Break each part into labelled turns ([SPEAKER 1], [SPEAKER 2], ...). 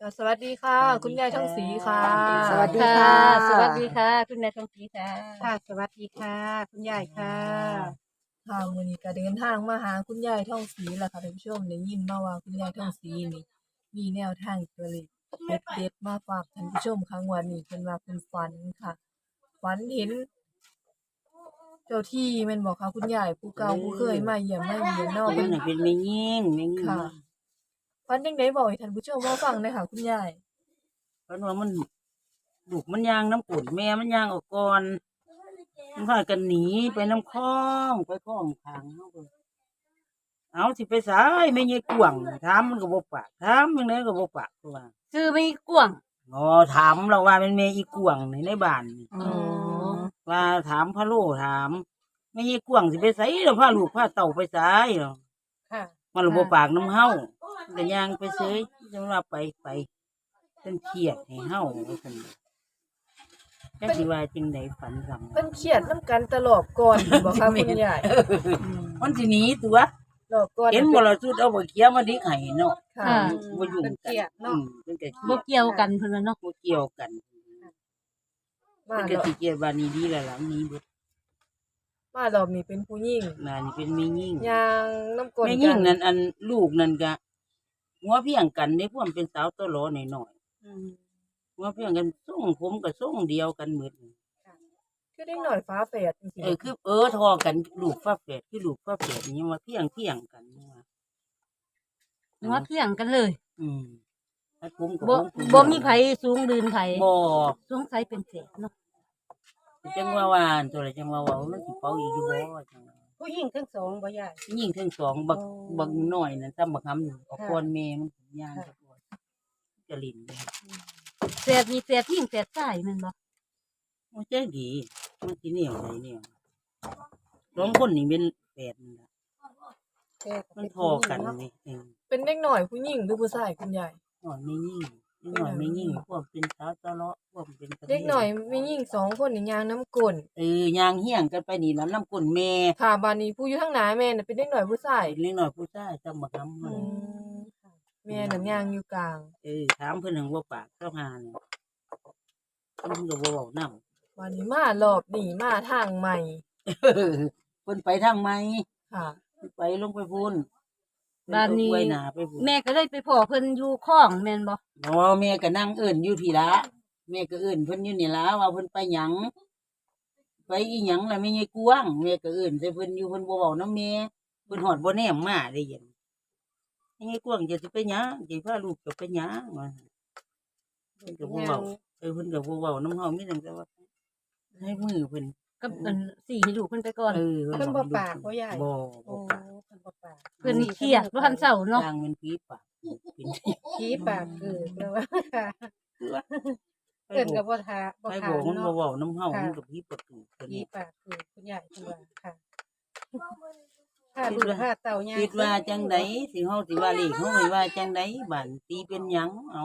[SPEAKER 1] ค่ะสวัสดีค่ะคุณยายทองศรีค่ะ
[SPEAKER 2] สวัสดี
[SPEAKER 3] ค่ะ
[SPEAKER 2] ค่ะ
[SPEAKER 3] สวัสดีค่ะ คุณนายทองศรีค่ะ
[SPEAKER 2] ค่ะ สวัสดีค่ะ คุณยายค่ะ
[SPEAKER 1] ค่ะมื้อนี้ก็เดินทางมาหาคุณยายทองศรีแหละค่ะท่านผู้ชมได้ยินมาว่าคุณยายทองศรีนี่มีแนวทางตัวเลขเด็ดๆมาฝากท่านผู้ชมค่ะงวดนี้เพิ่นว่าเพิ่นฝันค่ะฝันเห็นเจ้าที่แม่นบ่คะคุณยายผู้เก่าผู้เคยมาเยี่ยมมาเยียนเนาะ
[SPEAKER 3] มั
[SPEAKER 1] เพิ่
[SPEAKER 3] น
[SPEAKER 1] น
[SPEAKER 3] น่ะเป็นแม่ยิ่งแม่ยิ่ง
[SPEAKER 1] ค่ะฝันจังได๋บอกให้ท่านผู้ชมมาฟังหน่อยค่ะคุณยาย
[SPEAKER 3] เพราะว่ามันลูกมันย่างน้ำกรดแม่มันย่างออกก่อนมันพากันหนีไปน้ำคลองไปคลองทางเฮาก็เอาสิไปสายแม่ยายกวางถามมันก็บ่ปากถามจังไดก็บ่ปากคือว่า
[SPEAKER 4] ซื้อไม่กว้าง
[SPEAKER 3] อ๋อถามเราว่าเป็นแม่อีกวางในบ้านนี่
[SPEAKER 2] อ๋อ
[SPEAKER 3] ว่าถามพะโลถามแม่ยายกวางสิไปไสแล้วพาลูกพาเต่าไปไสเนาะ
[SPEAKER 2] ค่ะ
[SPEAKER 3] มันระบบปากน้ำเฮาแต่ยางไปเสยจังว่าไปเป็นเครียดให้เฮาว่าซั่นจักสิว่าจังไดฝันซ้ำ
[SPEAKER 1] เพิ่นเครียดนํกันตลอดก่อนบ่คะคุณยาย
[SPEAKER 3] มันสิหนีตัว
[SPEAKER 1] รอบก่อน
[SPEAKER 3] เห็นบ่ล่ะสุดเอาบ่เขียวมาดิกให้เนาะ
[SPEAKER 1] ค่ะ
[SPEAKER 4] ค่ะ
[SPEAKER 3] บ่ยุ่ง
[SPEAKER 2] เป็น
[SPEAKER 3] กั
[SPEAKER 2] เกียรติ
[SPEAKER 3] น
[SPEAKER 2] เนาะ
[SPEAKER 3] เพิ่นก็เครี
[SPEAKER 4] บ่
[SPEAKER 3] ยด
[SPEAKER 4] เกี่ยวกันเพิ่นว่าเนาะ
[SPEAKER 3] บ่เกี่ยวกัน
[SPEAKER 1] มา
[SPEAKER 3] เพิ่นก็
[SPEAKER 1] รอบ
[SPEAKER 3] สิเกียดว่านี่ดีแล้วล่ะนี้เบิด
[SPEAKER 1] มารอบนี้เป็นผู้หญิง
[SPEAKER 3] น่ะนี่เป็นแม่ยิ่ง
[SPEAKER 1] ย่างน้ำกลน
[SPEAKER 3] แม่
[SPEAKER 1] กั
[SPEAKER 3] ยิ่งนั่นอันลูกนั่นก็หัวเพียงกันได้พวกมันเป็นสาวตัวหลอน้อยๆหัวเพียงกันทรงผมก็ทรงเดียวกันหมด
[SPEAKER 1] คือเด็กหน่อยฟ้าแฝดจริง
[SPEAKER 3] คือทอกันลูกฟ้าแฝดคือลูกฟ้าแฝดนี่มาเพียงกันว่า
[SPEAKER 4] หัวเที่ยงกันเลย
[SPEAKER 3] ถ้าผมกับ
[SPEAKER 4] บ่
[SPEAKER 3] ผม
[SPEAKER 4] บ่มีไผสูงดืนไผ
[SPEAKER 3] บ่
[SPEAKER 4] สงสัยเป็นเศษเนาะ
[SPEAKER 3] จังว่าตัวละจังว่ามันสิเป่าอีกอยู่บ่จังว่า
[SPEAKER 2] ผู้หญิงทั้งสองบ่ยาย
[SPEAKER 3] ยิ่งทั้งสองบักน้อยนั่นซ้ำบักหำเอาก่อนแม่มันย่างไปก่อนจะลิ้นเลย
[SPEAKER 4] เศษมีเศษทิ้งเศษใต้แม่นบ่
[SPEAKER 3] มันใจดีมันสิเหนียวได้เหนียวสองคนนี่เป็นแฝดนั่นล่ะมันทอกันนี่เอง
[SPEAKER 1] ๆเป็นเด็กหน่อยผู้หญิงหรือผู้ชายคุณยาย
[SPEAKER 3] หน่อยไม่ยิ่งหน่อยไม่ยิ่งพวกเป็นสาวตะเลาะพวกเป็น
[SPEAKER 1] เด็กหน่อยมีหญิงสองคนนี่ย่างน้ำกลน
[SPEAKER 3] ยางเฮี้ยงกันไปนี่แล้วน้ำกุ่นแม่
[SPEAKER 1] ค่ะบานนี้ผู้อยู่ทางหน้าแม่น่ะเป็นเด็กหน่อยผู้ชาย
[SPEAKER 3] เล็กน้อยผู้ชายจำบักหำ
[SPEAKER 1] อืมแม่น่ะย่างอยู่กลาง
[SPEAKER 3] ถามเพิ่นถึงว่าปากเจ้าหาเนี่ยเพิ่นก็บ่เว้านำ
[SPEAKER 1] บานนี้มารอบนี้มาทางใหม่
[SPEAKER 3] เพิ่นไปทางไหม
[SPEAKER 1] ค่ะ
[SPEAKER 3] ไปลงไปพุ่น
[SPEAKER 4] บ้านนี้
[SPEAKER 3] ไว้หน้าไปพุ่น
[SPEAKER 4] แม่ก็เลยไปพ้อเพิ่นอยู่คลองแม่นบ่
[SPEAKER 3] บ่แม่ก็นั่งเอิ้นอยู่พี่ละแม่ก็เอิ้นเพิ่นอยู่นี่ล่ะว่าเพิ่นไปหยังไปอีหยังล่ะแม่ยายกวางแม่ก็เอิ้นใส่เพิ่นอยู่เพิ่นบ่เว้านำแม่เพิ่นฮอดบ่แนมมาได้ยินแม่ยายกวางจะสิไปหยังสิพาลูกจะไปหยังว่าเพิ่นก็บ่เว้าเพิ่นก็บ่เว้านำเฮามีแต่ว่าให้มือเพิ่น
[SPEAKER 4] กับเพิ่นสี่ให้ลูกเพิ่นไปก่อน
[SPEAKER 2] เพิ่นบ่ปากบ่ยาย
[SPEAKER 3] บ่
[SPEAKER 2] โอ้
[SPEAKER 3] บ่ปาก
[SPEAKER 2] เพิ่นบ่ปาก
[SPEAKER 4] เพิ่นนี่เครียดบ่ทันเช้าเนาะ
[SPEAKER 3] ทางมันผีปากเป็น
[SPEAKER 2] ผีปากเกิดแล้วว่าค่ะ
[SPEAKER 3] คือว่า
[SPEAKER 2] เพิ่นก็บ่ทาบ่
[SPEAKER 3] ไอ้
[SPEAKER 2] ทา
[SPEAKER 3] บอกมัน
[SPEAKER 2] เนาะ
[SPEAKER 3] บ่เว้าน้ำเฮามันก็ผีปากเกิด
[SPEAKER 2] ผีปากเกิดคุณยายเพิ่นว่าค่ะถ้าลูกถ้าเต่าย่าง
[SPEAKER 3] คิดว่าจังไดสิเฮาสิว่าเลขเฮาว่าจังไดบัดตีเป็นหยังเอา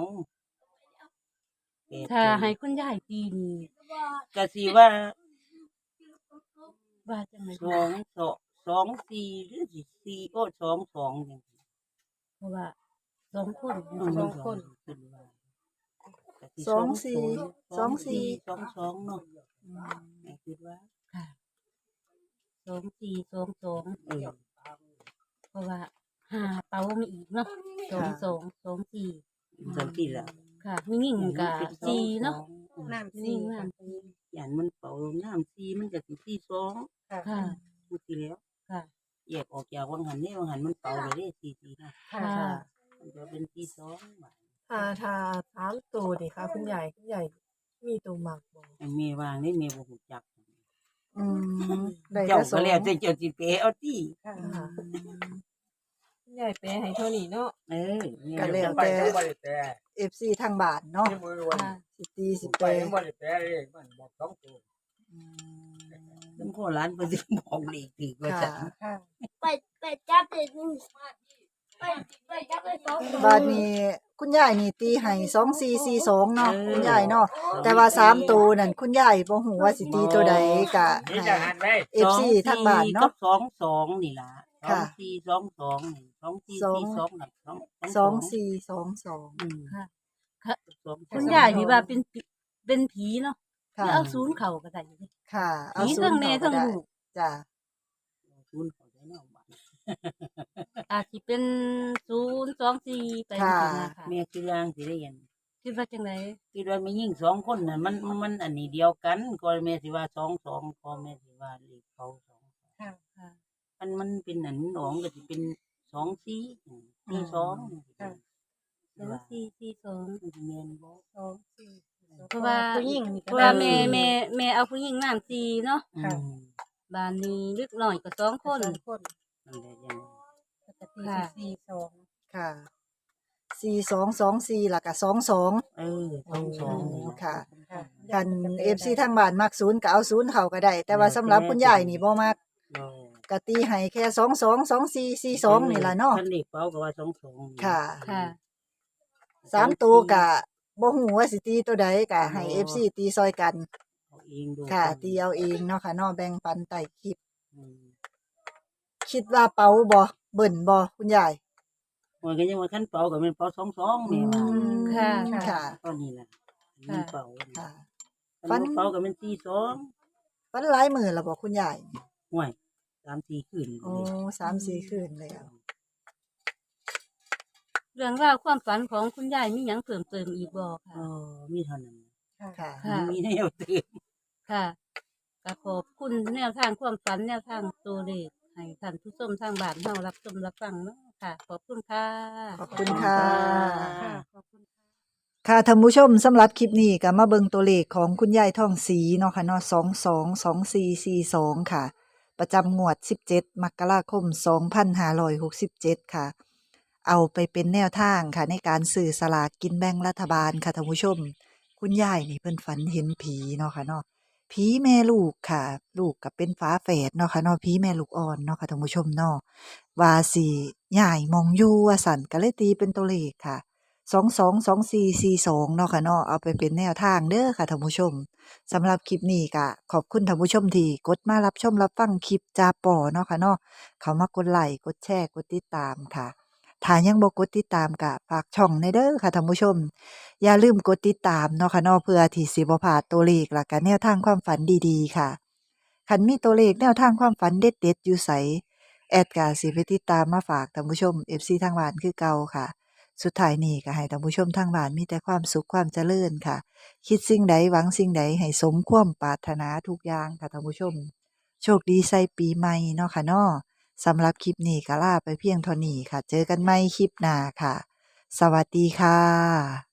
[SPEAKER 4] ถ้าให้คุณยายตีนี่
[SPEAKER 3] ก็สิว่า
[SPEAKER 4] ว่าจังได๋
[SPEAKER 3] 2 4หรือสิ4ก็2 2จัง
[SPEAKER 4] เพราะว่าสองคน
[SPEAKER 3] ขึ้นว่าก็สิ
[SPEAKER 2] 2 4 2 4
[SPEAKER 3] 2 2เนาะแม่คิดว่า
[SPEAKER 4] ค่ะ2422
[SPEAKER 3] เออ
[SPEAKER 4] เพราะว่าหาเป๋ามีอีกเนาะ2224
[SPEAKER 3] จังซี่ล่ะ
[SPEAKER 4] ค่ะมีหญิงก็สี่เนาะ
[SPEAKER 2] น้ำ
[SPEAKER 4] นี่
[SPEAKER 2] สี
[SPEAKER 4] ว่า
[SPEAKER 3] ย่านมันเป่าน้ำ4มันก็สิ4 2
[SPEAKER 2] ค่ะ
[SPEAKER 4] ค่ะ
[SPEAKER 3] พูดทีแล้ว
[SPEAKER 4] ค่ะ
[SPEAKER 3] แยกออกจากวังหันนี่วังหันมันเป่าเลยได้4 4นะ
[SPEAKER 2] ค่ะ
[SPEAKER 4] ค่ะ
[SPEAKER 3] มันจะเป็นที่2บาท
[SPEAKER 1] ถ้าถามตัวนี่ค่ะคุณยายมีตัวมักบ่
[SPEAKER 3] ไอ้เมวางนี่เมบ่ฮู้จัก
[SPEAKER 2] อืมได้
[SPEAKER 3] เจ้า
[SPEAKER 2] ก็ส
[SPEAKER 3] ก็
[SPEAKER 2] อง
[SPEAKER 3] แล้วแต่เจ้าสิเปเอาติ
[SPEAKER 2] ค่ะ
[SPEAKER 1] ค่ะคุณยายแปลให้เท่านี้เนาะ
[SPEAKER 3] เออแม่
[SPEAKER 2] ก็แล้วแต่ FC ทางบ้านเนาะ
[SPEAKER 4] ค่ะ
[SPEAKER 2] สิตีสิ
[SPEAKER 5] ไป
[SPEAKER 2] แปล
[SPEAKER 5] บ่ได้แปลเลยมันบอกสองตัว
[SPEAKER 3] ซึ่งพ่อร้านเพิ่นสิบอกเลขถูกว่า
[SPEAKER 2] ค่ะ
[SPEAKER 3] ซั่น
[SPEAKER 2] ค่ะ
[SPEAKER 6] ไปจับเลยไปจับเลยสอง
[SPEAKER 2] บ้านนี้คุณยายนี่ตีให้2442เนาะคุณยายเนาะแต่ว่า3ตัวนั่นคุณยายบ่ฮู้ว่าสิตีตัวใดก็
[SPEAKER 5] นี่
[SPEAKER 2] ให้
[SPEAKER 5] จะหันไป
[SPEAKER 2] FC ทางบ้านเนาะ
[SPEAKER 3] กับ22นี่ล่ะ
[SPEAKER 2] ค่ะ
[SPEAKER 3] 2422นี่2442น่ะ
[SPEAKER 2] 2422
[SPEAKER 3] อืม
[SPEAKER 4] ค่ะค่ะ
[SPEAKER 3] สอง
[SPEAKER 4] คุณยายนี่ว่าเป็นผีเนาะ
[SPEAKER 2] ค่ะ
[SPEAKER 4] แล้วเอาศูนย์เข้าก็ได้อยู่เดะ
[SPEAKER 2] ค่ะ เอา
[SPEAKER 4] ผี
[SPEAKER 2] ศู
[SPEAKER 4] เทั้
[SPEAKER 2] น
[SPEAKER 4] ง
[SPEAKER 2] ย์
[SPEAKER 4] แม่
[SPEAKER 2] เข้าก็
[SPEAKER 4] เทั้ง
[SPEAKER 2] ได้
[SPEAKER 4] ลูก
[SPEAKER 2] จ้ะ
[SPEAKER 3] ศูนย์เข้าได้เนาะบัด
[SPEAKER 4] อาจสิเป็น024ไปจัง
[SPEAKER 2] ค่ะ
[SPEAKER 4] ซี่นะคะ
[SPEAKER 3] แม่คือร่างสิได้ยัน
[SPEAKER 4] คิดว่าจังได๋
[SPEAKER 3] คิดว่ามียิ่งสองคนน่ะมันอันนี้เดียวกันก็แม่สิว่า22ก็แม่สิว่าเลขเขาสอง
[SPEAKER 4] ค่ะ
[SPEAKER 3] มันเป็นอันหนองก็สิเป็น24 42
[SPEAKER 4] ค่ะ 2442
[SPEAKER 3] มันสิแม่นบ่
[SPEAKER 4] เพราะว่า
[SPEAKER 1] ผู้หญิงนี่
[SPEAKER 4] เพ
[SPEAKER 1] ก็
[SPEAKER 4] ราะ
[SPEAKER 1] ได้
[SPEAKER 4] ว่าแม่เอาผู้หญิงน้ำ4เนาะ
[SPEAKER 3] อืม
[SPEAKER 4] บ้านนี้เล็กน้อยก็2คน
[SPEAKER 3] นั่นแหละยัง
[SPEAKER 4] ค่ะ
[SPEAKER 2] ค่ะ4224แล้วก็22
[SPEAKER 3] 22
[SPEAKER 2] ค่ะ กัน FC ทางบ้านมัก0ก็เอา0เข้าก็ได้ แต่ว่าสำหรับคุณยายนี่บ่มักก็ตีให้แค่222442นี่ล่ะเนาะ
[SPEAKER 3] คันเลขเป้าก็ว่า22
[SPEAKER 2] ค่ะ
[SPEAKER 4] ค่ะ
[SPEAKER 2] 3ตัวก็บ่ฮู้ว่าสิตีตัวใดก็ให้ FC ตีซอยกัน
[SPEAKER 3] เอาเองดู
[SPEAKER 2] ค่ะ ตีเอาเองเนาะค่ะเนาะแบ่งปันใต้คลิป
[SPEAKER 3] อืม
[SPEAKER 2] คิดว่าเป๋าบ่เบิ่นบ่คุณยาย
[SPEAKER 3] ว่าก็ยังว่าคันเป้าก็แม่นเป้า22แม่ว่า
[SPEAKER 4] ค่ะ
[SPEAKER 2] ค่ะ
[SPEAKER 3] ตอนนี้ล่ะมีเป้า
[SPEAKER 2] ค่ะ
[SPEAKER 3] คันบ่เป้าก็แม่น42
[SPEAKER 2] ฝันหลายมื้อแล้วบ่คุณยาย
[SPEAKER 3] ห่วย3-4คืน
[SPEAKER 2] โอ้3-4 คืนแล้ว
[SPEAKER 4] เรื่องราวความฝันของคุณยายมีหยังเพิ่มเติมอีกบ่
[SPEAKER 3] เอ
[SPEAKER 4] ค่ะ
[SPEAKER 3] อมีเท่านั้น
[SPEAKER 2] ค่ะ
[SPEAKER 4] ค่ะ
[SPEAKER 3] มีแนวเตือน
[SPEAKER 4] ค่ะก็ขอบคุณแนวทางความฝันแนวทางตัวเลขให้ท่านผู้ชมทางบ้านเฮารับชมรับฟังเนาะค่ะ ขอบคุณค่ะ
[SPEAKER 2] ขอบคุณค่ะ
[SPEAKER 4] ค่ะขอบคุณ
[SPEAKER 2] ค่ะท่านผู้ชมสำหรับคลิปนี้ก็มาเบิ่งตัวเลขของคุณยายทองศรีเนาะค่ะเนาะ222442ค่ะ ประจำงวด 17 มกราคม 2567 ค่ะ เอาไปเป็นแนวทางค่ะในการซื้อสลากกินแบ่งรัฐบาลค่ะท่านผู้ชม คุณยายนี่เพิ่นฝันเห็นผีเนาะค่ะเนาะผีแม่ลูกค่ะ ลูกก็เป็นฝาแฝดเนาะค่ะเนาะผีแม่ลูกอ่อนเนาะค่ะท่านผู้ชมเนาะว่าสิย้ายหมองอยู่ว่าสั่นก็เลยตีเป็นตัวเลขค่ะ 222442เนาะค่ะเนาะเอาไปเป็นแนวทางเด้อค่ะท่านผู้ชมสำหรับคลิปนี้ก็ขอบคุณท่านผู้ชมที่กดมารับชมรับฟังคลิปจาป่อเนาะค่ะเนาะเขามากดไลค์กดแชร์กดติดตามค่ะถ้ายังบ่กดติดตามก็ฝากช่องในเด้อค่ะท่านผู้ชม อย่าลืมกดติดตามเนาะค่ะเนาะเพื่อที่สิบ่พลาดตัวเลขและก็แนวทางความฝันดีๆค่ะคันมีตัวเลขแนวทางความฝันเด็ดๆอยู่ไสแอดก็สิไปติดตามมาฝากท่านผู้ชม FC ทางบ้านคือเก่าค่ะ สุดท้ายนี้ก็ให้ท่านผู้ชมทางบ้านมีแต่ความสุขความเจริญค่ะ คิดสิ่งใดหวังสิ่งใดให้สมความปรารถนาทุกอย่างค่ะท่านผู้ชม โชคดีใส่ปีใหม่เนาะค่ะเนาะสำหรับคลิปนี้ก็ลาไปเพียงเท่านี้ค่ะ เจอกันใหม่คลิปหน้าค่ะ สวัสดีค่ะ